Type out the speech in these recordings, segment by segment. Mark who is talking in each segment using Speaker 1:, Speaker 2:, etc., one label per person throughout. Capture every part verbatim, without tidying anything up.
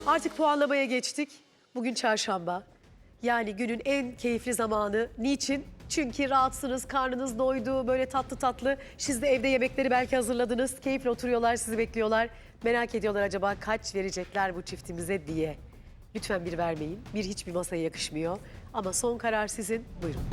Speaker 1: Artık puanlamaya geçtik. Bugün çarşamba. Yani günün en keyifli zamanı. Niçin? Çünkü rahatsınız, karnınız doydu, böyle tatlı tatlı. Siz de evde yemekleri belki hazırladınız. Keyifle oturuyorlar, sizi bekliyorlar. Merak ediyorlar acaba kaç verecekler bu çiftimize diye. Lütfen bir vermeyin. Bir hiçbir masaya yakışmıyor. Ama son karar sizin. Buyurun.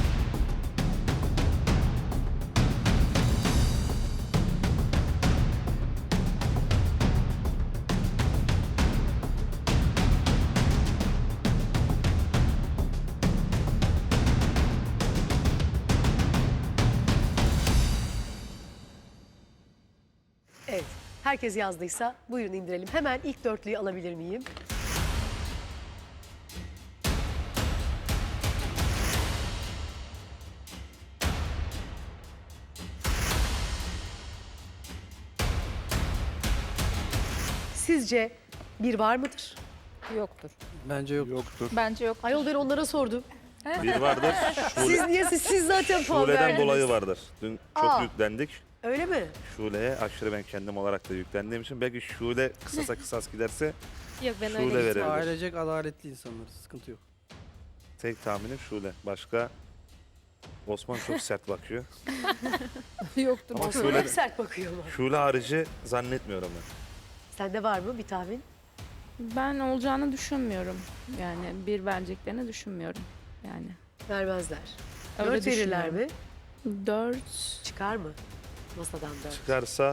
Speaker 1: Evet. Herkes yazdıysa buyurun indirelim. Hemen ilk dörtlüyü alabilir miyim? Sizce bir var mıdır?
Speaker 2: Yoktur.
Speaker 3: Bence yok.
Speaker 4: Yoktur.
Speaker 2: Bence yok.
Speaker 1: Ayol ben onlara sordum.
Speaker 4: Bir vardır.
Speaker 1: Siz
Speaker 4: Şule,
Speaker 1: niye siz, siz zaten puan
Speaker 4: Şule'den
Speaker 1: verdiniz.
Speaker 4: dolayı vardır. Dün çok
Speaker 1: Aa.
Speaker 4: yüklendik.
Speaker 1: Öyle mi?
Speaker 4: Şule'ye aşırı ben kendim olarak da yüklendiğim için belki Şule kısasa kısas giderse
Speaker 5: Yok ben
Speaker 4: Şule
Speaker 5: öyle
Speaker 4: verebilir.
Speaker 3: Ailecek adaletli insanlarız. Sıkıntı yok.
Speaker 4: Tek tahminim Şule. Başka Osman çok sert bakıyor.
Speaker 2: Yoktur.
Speaker 4: Ama
Speaker 1: Şöyle
Speaker 4: Şule,
Speaker 1: hep sert bakıyorlar.
Speaker 4: Şule harici zannetmiyorum ben.
Speaker 1: Sende var mı bir tahmin?
Speaker 6: Ben olacağını düşünmüyorum. Yani bir vereceklerini düşünmüyorum. Yani
Speaker 1: Vermezler.
Speaker 6: Öyle
Speaker 1: Dört verirler mi?
Speaker 6: dört
Speaker 1: Çıkar mı? Masadan dört.
Speaker 4: Çıkarsa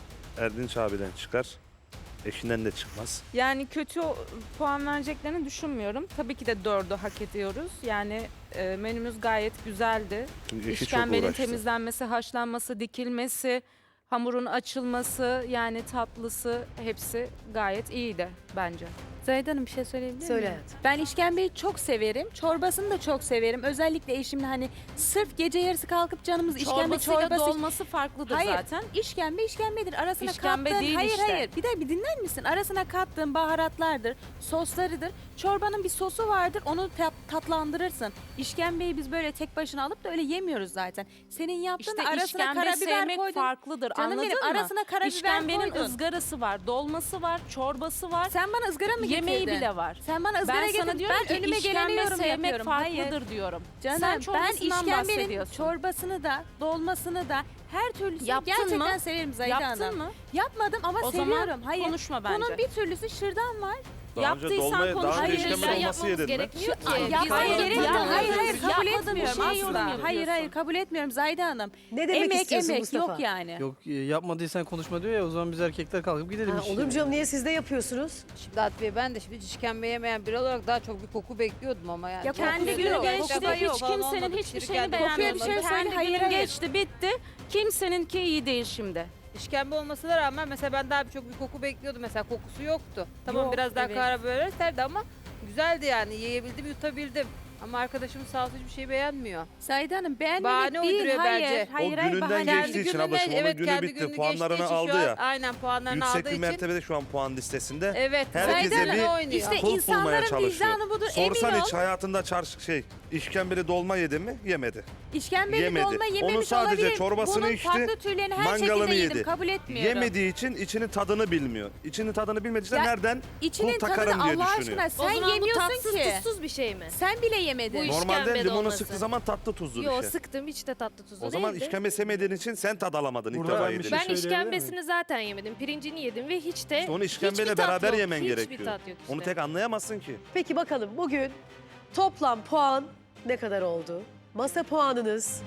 Speaker 4: Erdinç abiden çıkar. Eşinden de çıkmaz.
Speaker 6: yani kötü o- puan vereceklerini düşünmüyorum. Tabii ki de dördü hak ediyoruz. Yani e, menümüz gayet güzeldi.
Speaker 4: Çünkü eşi çok
Speaker 6: İşkembenin
Speaker 4: uğraştı.
Speaker 6: temizlenmesi, haşlanması, dikilmesi, hamurun açılması, yani tatlısı hepsi gayet iyiydi bence.
Speaker 7: Zahide Hanım bir şey söyleyebilir miyim?
Speaker 1: Söyle hayatım.
Speaker 7: Ben işkembeyi çok severim. Çorbasını da çok severim. Özellikle eşimle hani sırf gece yarısı kalkıp canımız işkembe
Speaker 6: Çorbasıyla
Speaker 7: çorbası...
Speaker 6: dolması farklıdır
Speaker 7: Hayır.
Speaker 6: zaten.
Speaker 7: İşkembe işkembedir. Arasına
Speaker 6: İşkembe
Speaker 7: kattığın...
Speaker 6: değil
Speaker 7: hayır
Speaker 6: işte.
Speaker 7: hayır. Bir de bir dinler misin? Arasına kattığın baharatlardır, soslarıdır. Çorbanın bir sosu vardır. Onu tat- tatlandırırsın. İşkembeyi biz böyle tek başına alıp da öyle yemiyoruz zaten. Senin yaptığın
Speaker 6: İşte
Speaker 7: arasına
Speaker 6: işkembe
Speaker 7: karabiber
Speaker 6: sevmek
Speaker 7: koydun.
Speaker 6: farklıdır.
Speaker 7: Canım
Speaker 6: Anladın
Speaker 7: benim,
Speaker 6: mı?
Speaker 7: arasına karabiber
Speaker 6: İşkembenin
Speaker 7: koydun.
Speaker 6: ızgarası var, dolması var, çorbası var.
Speaker 7: Sen bana ızgara mı getirdin?
Speaker 6: Yemeği bile var.
Speaker 7: Sen bana ızgara
Speaker 6: Ben
Speaker 7: getirdin.
Speaker 6: sana diyorum
Speaker 7: ben
Speaker 6: ki
Speaker 7: önüme geleni
Speaker 6: işkembe
Speaker 7: yorum
Speaker 6: sevmek
Speaker 7: yapıyorum. Hayır.
Speaker 6: farklıdır diyorum.
Speaker 7: Canım
Speaker 6: Sen
Speaker 7: ben
Speaker 6: çorbasından
Speaker 7: işkembenin
Speaker 6: bahsediyorsun.
Speaker 7: çorbasını da dolmasını da her türlüsünü
Speaker 6: Yaptın
Speaker 7: gerçekten
Speaker 6: mı?
Speaker 7: severim Zahide
Speaker 6: Yaptın
Speaker 7: Hanım.
Speaker 6: mı?
Speaker 7: Yapmadım ama
Speaker 6: O
Speaker 7: seviyorum.
Speaker 6: zaman
Speaker 7: Hayır.
Speaker 6: konuşma bence.
Speaker 7: Bunun bir türlüsü şırdan var.
Speaker 4: Daha önce
Speaker 6: Yaptıysan
Speaker 4: dolmayı-
Speaker 6: konuş.
Speaker 4: Daha önce
Speaker 7: Hayır,
Speaker 4: işkembe
Speaker 7: ben
Speaker 4: dolması yedin mi?
Speaker 5: gerekmiyor ki.
Speaker 7: Ay,
Speaker 5: Biz
Speaker 7: yapmaya
Speaker 5: de
Speaker 7: gerek yok.
Speaker 5: yapmıyoruz.
Speaker 7: Hayır hayır kabul
Speaker 6: Yapmadığın bir
Speaker 7: etmiyorum
Speaker 6: şeye yorum
Speaker 7: asla.
Speaker 6: yapıyorsun.
Speaker 7: Hayır hayır kabul etmiyorum Zahide Hanım.
Speaker 1: Ne demek
Speaker 7: Emek
Speaker 1: istiyorsun
Speaker 7: emek
Speaker 1: Mustafa?
Speaker 7: yok yani.
Speaker 3: Yok e, yapmadıysan konuşma diyor ya, o zaman biz erkekler kalkıp gidelim
Speaker 1: Ha,
Speaker 3: işte.
Speaker 1: olur mu canım, niye siz de yapıyorsunuz?
Speaker 2: Şimdi At Bey ben de şimdi işkembe yemeyen biri olarak daha çok bir koku bekliyordum ama yani.
Speaker 7: Ya
Speaker 2: Çok
Speaker 6: Kendi
Speaker 2: güzel
Speaker 6: günü
Speaker 2: yok.
Speaker 6: geçti.
Speaker 2: Koku yok
Speaker 6: Hiç
Speaker 2: falan
Speaker 6: kimsenin
Speaker 2: olmadı.
Speaker 6: hiçbir
Speaker 2: Şirket
Speaker 6: şeyini
Speaker 2: kokuyor
Speaker 7: Kokuya bir
Speaker 6: beğenmedim.
Speaker 7: şey
Speaker 2: olmadı.
Speaker 7: söyle,
Speaker 6: Kendi
Speaker 7: hayır,
Speaker 6: günün
Speaker 7: hayır.
Speaker 6: geçti, bitti. Kimseninki iyi değil şimdi.
Speaker 2: İşkembe olmasına rağmen mesela ben daha çok bir koku bekliyordum. Mesela kokusu yoktu. Tamam
Speaker 7: Yok,
Speaker 2: biraz daha
Speaker 7: evet.
Speaker 2: karabiber serdi ama güzeldi yani. Yiyebildim, yutabildim. Ama arkadaşımız sağ olsun hiçbir şey beğenmiyor.
Speaker 7: Zahide Hanım beğenmemek
Speaker 2: Bahane
Speaker 7: değil.
Speaker 2: uyduruyor
Speaker 7: Hayır
Speaker 2: bence.
Speaker 7: hayır
Speaker 4: O
Speaker 7: hayır.
Speaker 4: gününden
Speaker 7: bahane-
Speaker 4: geçtiği için ablacığım, onun günü
Speaker 2: kendi
Speaker 4: bitti.
Speaker 2: gününü
Speaker 4: Puanlarını
Speaker 2: geçtiği için
Speaker 4: aldı
Speaker 2: şu an-
Speaker 4: ya.
Speaker 2: Aynen puanlarını
Speaker 4: Yüksek
Speaker 2: aldığı
Speaker 4: bir
Speaker 2: için.
Speaker 4: mertebede şu an puan listesinde.
Speaker 2: Evet.
Speaker 4: Herkese
Speaker 2: Zahide
Speaker 4: bir
Speaker 2: Hanım oynuyor.
Speaker 7: İşte
Speaker 4: kul bulmaya
Speaker 7: insanların
Speaker 4: çalışıyor.
Speaker 7: vicdanı budur.
Speaker 4: Sorsan
Speaker 7: Emin
Speaker 4: hiç
Speaker 7: ol.
Speaker 4: hayatında çarşı şey işkembeli dolma yedi mi? Yemedi.
Speaker 7: İşkembeli
Speaker 4: Yemedi.
Speaker 7: dolma yememiş
Speaker 4: Onu sadece
Speaker 7: olabilir.
Speaker 4: çorbasını
Speaker 7: Bunun
Speaker 4: içti,
Speaker 7: farklı türlerini her
Speaker 4: mangalını
Speaker 7: şekilde yedim.
Speaker 4: yedi.
Speaker 7: Kabul etmiyorum.
Speaker 4: Yemediği için içinin tadını bilmiyor. İçinin tadını bilmediği için
Speaker 7: Ya,
Speaker 4: nereden
Speaker 7: İçinin
Speaker 4: kul
Speaker 7: tadını
Speaker 4: takarım diye
Speaker 7: Allah
Speaker 4: düşünüyor.
Speaker 7: aşkına
Speaker 5: O
Speaker 7: sen
Speaker 5: zaman bu
Speaker 7: yemiyorsun
Speaker 5: tatsız
Speaker 7: ki.
Speaker 5: tuzsuz bir şey mi?
Speaker 7: Sen bile yemedin.
Speaker 5: Bu iş-
Speaker 4: Normalde
Speaker 5: İşkembe
Speaker 4: limonu
Speaker 5: dolması.
Speaker 4: sıktığı zaman tatlı tuzlu bir
Speaker 5: Yo
Speaker 4: şey.
Speaker 5: sıktım hiç de tatlı tuzlu
Speaker 4: O zaman
Speaker 5: değildi.
Speaker 4: işkembe sevmediğin için sen tad alamadın ilk
Speaker 3: Burada
Speaker 4: defa
Speaker 3: ben bir
Speaker 4: yedin.
Speaker 3: şey
Speaker 5: Ben
Speaker 3: söyleyebilir
Speaker 5: işkembesini zaten yemedim. Pirincini yedim ve hiç de
Speaker 4: İşte onu işkembeyle
Speaker 5: hiçbir tat
Speaker 4: beraber
Speaker 5: yok.
Speaker 4: yemen
Speaker 5: Hiçbir
Speaker 4: gerekiyor.
Speaker 5: tat yok işte.
Speaker 4: Onu tek anlayamazsın ki.
Speaker 1: Peki bakalım bugün toplam puan ne kadar oldu? Masa puanınız...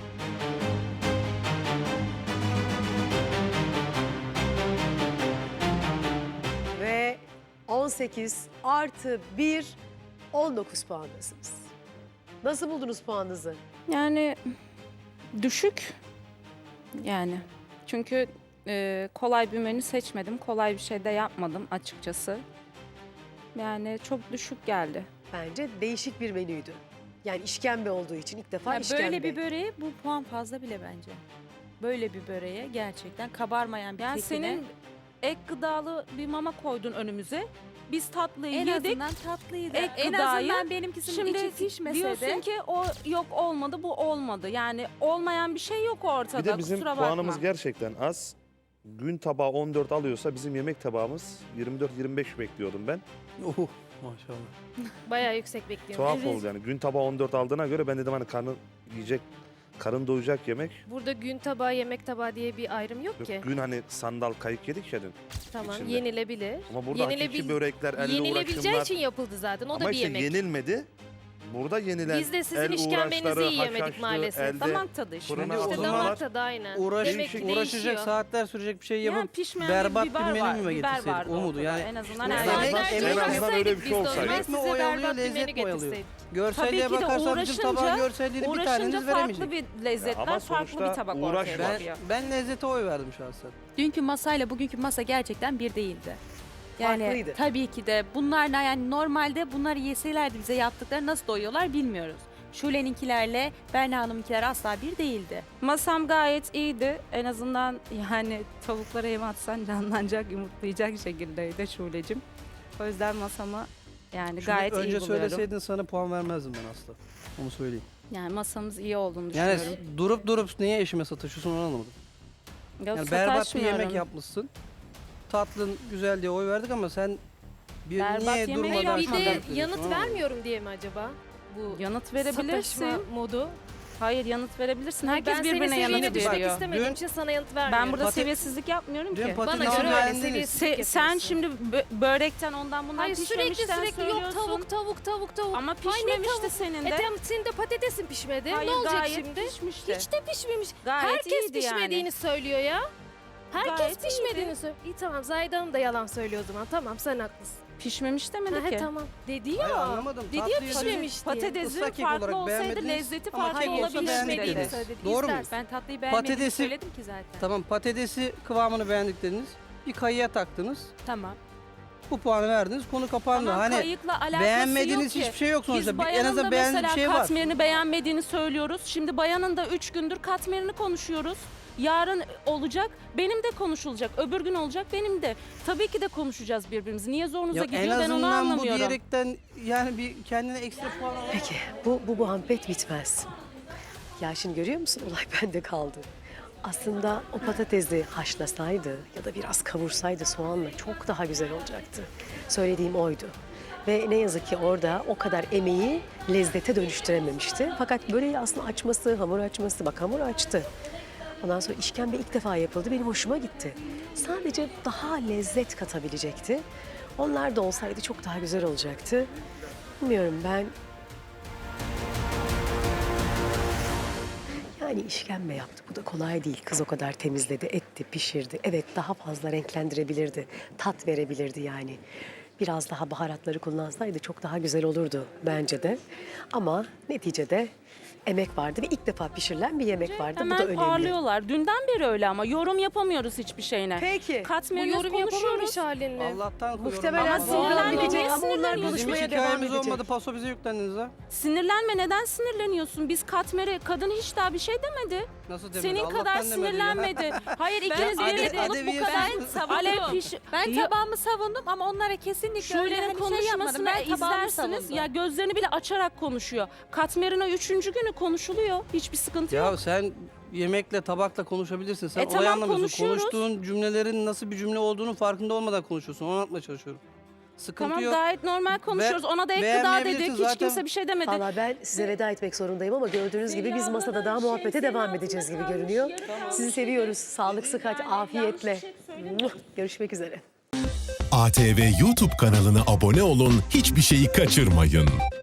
Speaker 1: Ve on sekiz artı bir, on dokuz puandasınız. Nasıl buldunuz puanınızı?
Speaker 6: Yani düşük. Yani çünkü e, kolay bir menü seçmedim. Kolay bir şey de yapmadım açıkçası. Yani çok düşük geldi.
Speaker 1: Bence değişik bir menüydü. Yani işkembe olduğu için ilk defa
Speaker 7: Ya
Speaker 1: işkembe.
Speaker 7: böyle bir böreğe bu puan fazla bile bence. Böyle bir böreğe gerçekten kabarmayan bir
Speaker 6: Yani
Speaker 7: kekine
Speaker 6: senin ek gıdalı bir mama koydun önümüze. Biz tatlıyı
Speaker 7: en
Speaker 6: yedik.
Speaker 7: azından tatlıydı.
Speaker 6: Ek
Speaker 7: En
Speaker 6: gıdayı,
Speaker 7: azından benimkisinin içi
Speaker 6: Şimdi
Speaker 7: pişmese
Speaker 6: diyorsun
Speaker 7: de.
Speaker 6: ki o yok olmadı, bu olmadı. Yani olmayan bir şey yok ortada.
Speaker 4: Bir de bizim
Speaker 6: kusura
Speaker 4: puanımız
Speaker 6: bakma.
Speaker 4: gerçekten az. gün tabağı on dört alıyorsa bizim yemek tabağımız yirmi dört yirmi beş bekliyordum ben.
Speaker 3: Oh, maşallah.
Speaker 5: Bayağı yüksek bekliyorum.
Speaker 4: Tuhaf
Speaker 5: Evet.
Speaker 4: oldu yani. Gün tabağı on dört aldığına göre ben dedim hani karnı yiyecek, karın doyacak yemek.
Speaker 5: Burada gün tabağı, yemek tabağı diye bir ayrım yok
Speaker 4: Yok,
Speaker 5: ki.
Speaker 4: gün hani sandal kayık yedik ya dün.
Speaker 5: Tamam,
Speaker 4: içinde.
Speaker 5: yenilebilir.
Speaker 4: Ama burada hakiki
Speaker 5: Yenilebil-
Speaker 4: börekler, elle
Speaker 5: Yenilebileceği
Speaker 4: uğraşımlar.
Speaker 5: için yapıldı zaten. O
Speaker 4: Ama
Speaker 5: da bir
Speaker 4: işte
Speaker 5: yemek.
Speaker 4: yenilmedi. Burada yenilen
Speaker 5: Biz de sizin
Speaker 4: el
Speaker 5: işkembenizi
Speaker 4: uğraşları,
Speaker 5: yiyemedik
Speaker 4: haşhaşlı,
Speaker 5: maalesef.
Speaker 4: elde
Speaker 6: Damak tadı işte.
Speaker 4: fırına
Speaker 3: İşte
Speaker 5: İşte
Speaker 4: atılmalar.
Speaker 5: damak tadı aynen.
Speaker 3: Uğraş,
Speaker 5: Demek ki
Speaker 3: uğraşacak,
Speaker 5: değişiyor.
Speaker 3: saatler sürecek bir şey
Speaker 6: Yani
Speaker 3: yapıp
Speaker 6: pişmeyen
Speaker 3: berbat
Speaker 6: bir biber
Speaker 3: bir menü
Speaker 6: var.
Speaker 3: mü
Speaker 6: Biber
Speaker 3: getirseydik?
Speaker 6: vardı
Speaker 3: O mudur?
Speaker 6: ortada.
Speaker 3: Yani
Speaker 6: En azından
Speaker 3: işte
Speaker 6: her
Speaker 3: en
Speaker 6: şey
Speaker 3: azından-
Speaker 6: var.
Speaker 3: en
Speaker 4: en azından öyle bir şey
Speaker 5: biz de o
Speaker 4: olsaydı.
Speaker 5: zaman
Speaker 3: Yemek mi
Speaker 5: size
Speaker 3: oyalıyor,
Speaker 5: berbat bir menü
Speaker 3: lezzet mi oyalıyor?
Speaker 5: getirseydik.
Speaker 3: Görselliğe
Speaker 6: Tabii ki de
Speaker 3: bakarsan bizim
Speaker 6: uğraşınca-
Speaker 3: tabağın görselliğini bir
Speaker 6: Uğraşınca
Speaker 3: taneniz
Speaker 6: farklı
Speaker 3: veremeyecek.
Speaker 6: bir lezzetler,
Speaker 4: ama
Speaker 6: farklı
Speaker 4: sonuçta
Speaker 6: bir tabak
Speaker 4: uğraş
Speaker 6: ortaya
Speaker 4: var.
Speaker 6: çıkıyor.
Speaker 3: Ben, ben lezzete oy verdim şahsen.
Speaker 7: Dünkü masayla bugünkü masa gerçekten bir değildi. Yani
Speaker 1: Farklıydı.
Speaker 7: tabii ki de bunlarla yani normalde bunları yeselerdi bize yaptıkları nasıl doyuyorlar bilmiyoruz. Şule'ninkilerle Berna Hanım'ınkiler asla bir değildi.
Speaker 6: Masam gayet iyiydi. En azından yani tavuklara yem atsan canlanacak, yumurtlayacak şekildeydi Şule'cim. O yüzden masama yani
Speaker 3: Şunu
Speaker 6: gayet iyi
Speaker 3: önce
Speaker 6: buluyorum.
Speaker 3: söyleseydin sana puan vermezdim ben asla. Onu söyleyeyim.
Speaker 6: Yani masamız iyi olduğunu
Speaker 3: Yani
Speaker 6: düşünüyorum.
Speaker 3: durup durup niye eşime sataşıyorsun onu anlamadım.
Speaker 6: Yok,
Speaker 3: Yani berbat bir
Speaker 6: sataşmıyorum.
Speaker 3: yemek yapmışsın. Tatlın güzel diye oy verdik ama sen bir
Speaker 6: Berbat
Speaker 3: niye
Speaker 6: yemek
Speaker 3: durmadan
Speaker 5: Hayır, bir
Speaker 6: yapmadım.
Speaker 5: de
Speaker 3: yapıyorsun,
Speaker 5: yanıt
Speaker 3: anlamadım.
Speaker 5: vermiyorum diye mi acaba? Bu
Speaker 6: Yanıt verebilirsin.
Speaker 5: sataşma modu.
Speaker 6: Hayır, yanıt verebilirsin. Herkes
Speaker 5: ben
Speaker 6: birbirine
Speaker 5: seni
Speaker 6: yanıt
Speaker 5: seviyene düşmek
Speaker 6: veriyor.
Speaker 5: istemediğim
Speaker 3: Dün-
Speaker 5: için sana yanıt vermiyorum.
Speaker 6: Ben burada
Speaker 3: Patates-
Speaker 6: seviyesizlik yapmıyorum
Speaker 3: Dün
Speaker 6: ki.
Speaker 5: Bana
Speaker 3: patatesi
Speaker 5: göre öyle
Speaker 3: beğendiniz.
Speaker 5: seviyesizlik
Speaker 6: Se- sen
Speaker 5: yapıyorsun.
Speaker 6: şimdi bö- börekten ondan bundan
Speaker 5: Hayır sürekli
Speaker 6: pişmemişten
Speaker 5: sürekli yok
Speaker 6: söylüyorsun.
Speaker 5: tavuk tavuk tavuk tavuk.
Speaker 6: Ama
Speaker 5: Ay, ne
Speaker 6: pişmemişti
Speaker 5: tavuk?
Speaker 6: senin
Speaker 5: E
Speaker 6: de.
Speaker 5: tamam, senin de patatesin pişmedi.
Speaker 6: Hayır,
Speaker 5: ne olacak
Speaker 6: gayet
Speaker 5: şimdi?
Speaker 6: pişmişti.
Speaker 5: Hiç de pişmemiş.
Speaker 6: Gayet
Speaker 5: Herkes
Speaker 6: iyiydi
Speaker 5: pişmediğini
Speaker 6: yani.
Speaker 5: söylüyor ya. Herkes
Speaker 6: Gayet
Speaker 5: pişmediğini söylüyor. İyi tamam, Zahide Hanım da yalan söylüyor o zaman. Tamam, sen haklısın.
Speaker 6: Pişmemiş demedi
Speaker 5: Ha, he,
Speaker 6: ki.
Speaker 5: tamam. Dedi
Speaker 3: Hayır,
Speaker 5: ya.
Speaker 3: anlamadım.
Speaker 5: Dedi ya
Speaker 3: Tatlıyı-
Speaker 5: pişmemiş diye.
Speaker 6: Patatesin
Speaker 3: Islak kek
Speaker 6: farklı
Speaker 3: olarak
Speaker 6: olsaydı
Speaker 3: beğenmediniz
Speaker 6: lezzeti
Speaker 3: ama
Speaker 6: farklı
Speaker 3: kek olsa
Speaker 6: olabilirdi
Speaker 3: beğendik
Speaker 6: dedi.
Speaker 3: dediniz. Doğru mu?
Speaker 5: İstersen.
Speaker 7: Ben tatlıyı beğenmediğimi
Speaker 3: Patatesi-
Speaker 7: söyledim ki zaten.
Speaker 3: Tamam, patatesi kıvamını beğendik dediniz. Bir kayıya taktınız.
Speaker 7: Tamam.
Speaker 3: Bu puanı verdiniz. Konu kapandı.
Speaker 6: Tamam,
Speaker 3: hani
Speaker 6: kayıkla alakası
Speaker 3: beğenmediğiniz
Speaker 6: yok ki.
Speaker 3: hiçbir şey yok sonuçta.
Speaker 6: Biz
Speaker 3: Bir- en
Speaker 6: bayanın da
Speaker 3: azından beğendiği bir
Speaker 6: mesela
Speaker 3: şey var.
Speaker 6: katmerini beğenmediğini söylüyoruz. Şimdi bayanın da üç gündür katmerini konuşuyoruz. Yarın olacak, benim de konuşulacak. Öbür gün olacak, benim de. Tabii ki de konuşacağız birbirimizi. Niye zorunuza
Speaker 3: Ya
Speaker 6: gidiyor
Speaker 3: en
Speaker 6: ben onu
Speaker 3: azından bu
Speaker 6: anlamıyorum.
Speaker 3: diyerekten yani bir kendine ekstra puan al.
Speaker 1: Peki bu, bu muhabbet bitmez. Ya şimdi görüyor musun, olay bende kaldı. Aslında o patatesi haşlasaydı ya da biraz kavursaydı soğanla çok daha güzel olacaktı. Söylediğim oydu. Ve ne yazık ki orada o kadar emeği lezzete dönüştürememişti. Fakat böreği aslında açması, hamur açması, bak hamur açtı. Ondan sonra işkembe ilk defa yapıldı, benim hoşuma gitti. Sadece daha lezzet katabilecekti. Onlar da olsaydı çok daha güzel olacaktı. Bilmiyorum ben. Yani işkembe yaptı. Bu da kolay değil. Kız o kadar temizledi, etti, pişirdi. Evet, daha fazla renklendirebilirdi. Tat verebilirdi yani. Biraz daha baharatları kullansaydı çok daha güzel olurdu bence de. Ama neticede emek vardı ve ilk defa pişirilen bir yemek vardı. Bu da
Speaker 6: Hemen
Speaker 1: önemli.
Speaker 6: parlıyorlar. Dünden beri öyle ama yorum yapamıyoruz hiçbir şeyine.
Speaker 1: Peki.
Speaker 5: Bu
Speaker 6: Katmerini
Speaker 5: yorum
Speaker 6: konuşuyoruz.
Speaker 5: yapamamış halin mi?
Speaker 3: Allah'tan
Speaker 1: Muhtemelen
Speaker 6: Ama
Speaker 1: program
Speaker 6: sinirlenme,
Speaker 1: bitecek
Speaker 6: niye
Speaker 1: ama onlar
Speaker 6: sinirleniyorsun?
Speaker 3: Bizim hiç
Speaker 1: konuşmaya devam
Speaker 3: hikayemiz
Speaker 1: edecek.
Speaker 3: olmadı. Paso bize yüklendiniz ha.
Speaker 6: Sinirlenme, neden sinirleniyorsun? Biz katmeri, kadın hiç daha bir şey demedi.
Speaker 3: Nasıl demedi?
Speaker 6: Senin
Speaker 3: Allah'tan
Speaker 6: kadar
Speaker 3: demedi ya.
Speaker 6: sinirlenmedi. Hayır, ikiniz
Speaker 3: Ade-
Speaker 6: birlikte olup bu
Speaker 3: Adeviye
Speaker 6: kadar
Speaker 3: savundum.
Speaker 6: alev piş...
Speaker 7: Ben
Speaker 6: Ya-
Speaker 7: tabağımı savundum ama onlara kesinlikle öyle
Speaker 6: Şule'nin
Speaker 7: hani şey yapmadım.
Speaker 6: konuşmasını
Speaker 7: Ben tabağımı
Speaker 6: izlersiniz.
Speaker 7: savundum.
Speaker 6: Ya gözlerini bile açarak konuşuyor. Katmerina üçüncü günü konuşuluyor. Hiçbir sıkıntı yok.
Speaker 3: Ya sen yemekle, tabakla konuşabilirsin. Sen
Speaker 6: E
Speaker 3: olayı
Speaker 6: tamam,
Speaker 3: anlamıyorsun.
Speaker 6: konuşuyoruz.
Speaker 3: Konuştuğun cümlelerin nasıl bir cümle olduğunu farkında olmadan konuşuyorsun. Onu anlatmaya çalışıyorum. Sıkıntı
Speaker 6: Tamam,
Speaker 3: yok.
Speaker 6: gayet normal konuşuyoruz. Ona da ek gıda
Speaker 3: beğenmeyebilirsin
Speaker 6: dedik. Hiç
Speaker 3: zaten.
Speaker 6: kimse bir şey demedi.
Speaker 1: Valla ben size veda etmek zorundayım ama gördüğünüz gibi biz masada daha muhabbete devam edeceğiz gibi görünüyor. Sizi seviyoruz. Sağlık, sıhhat, afiyetle. Görüşmek üzere.
Speaker 8: A T V YouTube kanalına abone olun, hiçbir şeyi kaçırmayın.